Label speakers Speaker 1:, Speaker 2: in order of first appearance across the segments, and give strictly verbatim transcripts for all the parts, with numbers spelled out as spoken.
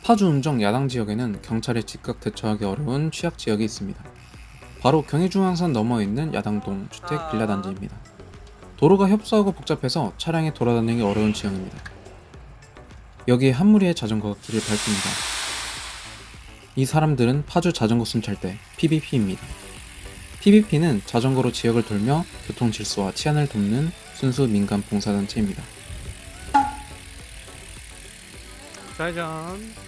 Speaker 1: 파주 운정 야당 지역에는 경찰이 즉각 대처하기 어려운 취약 지역이 있습니다. 바로 경의중앙선 너머에 있는 야당동 주택 빌라 단지입니다. 도로가 협소하고 복잡해서 차량이 돌아다니기 어려운 지형입니다. 여기에 한 무리의 자전거가 길을 밟습니다. 이 사람들은 파주 자전거 순찰대 피비피입니다. 피비피는 자전거로 지역을 돌며 교통 질서와 치안을 돕는 순수 민간 봉사단체입니다.
Speaker 2: 짜잔.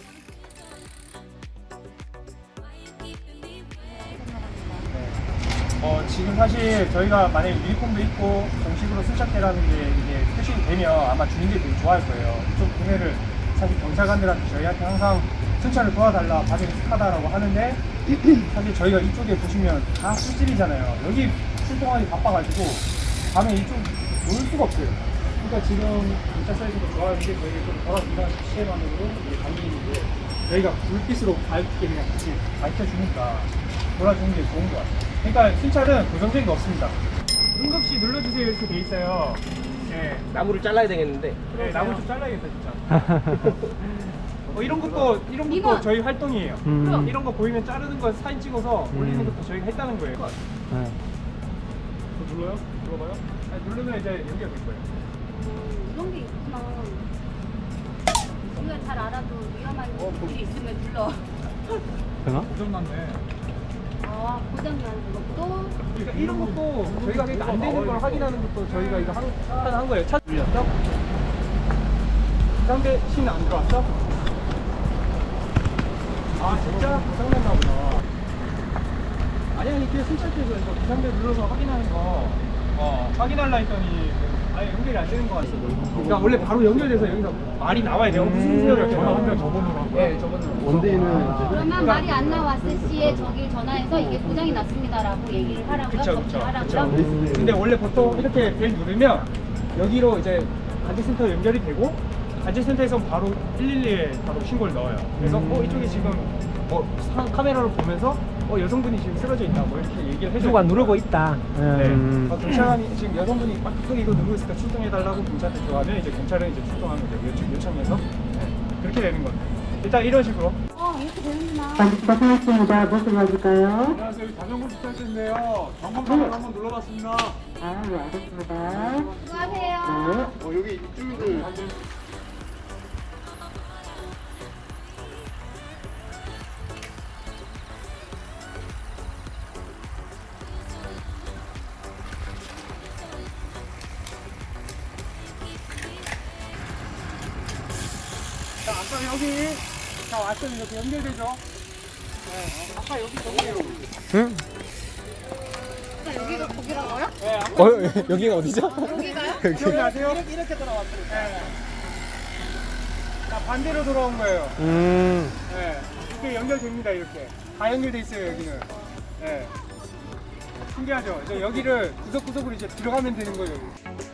Speaker 3: 어, 지금 사실 저희가 만약에 유니폼도 입고 정식으로 순찰대라는 게 이게 표시가 되면 아마 주민들이 되게 좋아할 거예요. 좀 구매를 사실 경찰관들한테 저희한테 항상 순찰을 도와달라, 과정이 익숙하다라고 하는데 사실 저희가 이쪽에 보시면 다 술집이잖아요. 여기 출동하기 바빠가지고 밤에 이쪽 놀 수가 없어요. 그러니까 지금 경찰서에서도 좋아하는 게 저희 좀 덜어준다 시스템만으로 감기인데 저희가 불빛으로 밝게 그냥 같이 밝혀주니까 돌아주는 게 좋은 것 같아요. 그러니까 순찰은 고정적인 게 없습니다. 응급시 눌러주세요 이렇게 돼 있어요. 네.
Speaker 2: 나무를 잘라야 되겠는데.
Speaker 3: 네, 나무 좀 잘라야겠다 진짜. 어, 이런 것도 이런 것도
Speaker 4: 이건-
Speaker 3: 저희 활동이에요.
Speaker 2: 음.
Speaker 3: 이런 거 보이면 자르는 거 사진 찍어서 올리는 것도 저희가 했다는 거예요.
Speaker 2: 네.
Speaker 3: 저 눌러요? 눌러봐요? 아니, 누르면 이제 연결 될 거예요.
Speaker 4: 음, 이런 게 있구나. 우리가 잘 알아도 위험한 일이 있으면 불러.
Speaker 2: 되나?
Speaker 3: 고장 났네.
Speaker 4: 아, 고장나는 것도.
Speaker 3: 그러니까 이런 것도 저희가 그러니까 안 되는 걸 확인하는 것도 저희가 이거 한, 한, 한 거예요. 차 눌렸어? 상대 신 안 들어왔어? 아 진짜? 고장났나 보다. 아니 아니 그냥 순찰대에서 이거 비상대 눌러서 확인하는 거 어, 확인하려 했더니 아예 연결이 안 되는 거 같아. 그러니까 원래 바로 연결돼서 여기서 말이 나와야 돼요. 무슨 일이세요? 이렇게 전화 한 명 저번으로 한 네, 저번으로.
Speaker 2: 원데이는
Speaker 4: 그러면 말이 안 나왔을 시에 저기 전화해서 이게 고장이 났습니다라고 얘기를 하라고요?
Speaker 3: 그쵸 그쵸 그쵸.
Speaker 4: 하라고요?
Speaker 3: 근데 원래 보통 이렇게 벨 누르면 여기로 이제 관제센터 연결이 되고 관제센터에서 바로 일일이에 바로 신고를 넣어요. 그래서 어 이쪽에 지금 어 사- 카메라로 보면서 어 여성분이 지금 쓰러져 있다 뭐 이렇게 얘기를 해줘요.
Speaker 2: 누가 누르고 있다.
Speaker 3: 네.
Speaker 2: 음.
Speaker 3: 어, 경찰관이 지금 여성분이 막 크게 이거 누르고 있으니까 출동해달라고 경찰한테 들어가면 이제 경찰은 이제 출동하는 거죠. 요청, 요청해서 네. 그렇게 되는 거예요. 일단 이런 식으로.
Speaker 4: 어, 이렇게 되는구나.
Speaker 5: 반갑습니다. 무슨 맞을까요?
Speaker 3: 안녕하세요. 여기 자전거 주차장인데요. 점검판을 한번 눌러봤습니다.
Speaker 5: 아, 네, 알겠습니다.
Speaker 4: 수고하세요.
Speaker 3: 어, 여기 입주민들 자, 아까 여기 자 왔더니 이렇게 연결되죠? 네, 아까 여기 저기예요.
Speaker 2: 응?
Speaker 4: 그러니까 여기가 거기라고요?
Speaker 3: 네, 아까
Speaker 2: 어, 여기가 어디죠?
Speaker 4: 여기가요?
Speaker 3: 기억나세요? 이렇게, 이렇게 돌아왔어요. 네. 자, 반대로 돌아온 거예요.
Speaker 2: 음.
Speaker 3: 네. 이렇게 연결됩니다, 이렇게. 다 연결돼 있어요, 여기는. 네. 신기하죠? 이제 여기를 구석구석으로 이제 들어가면 되는 거예요.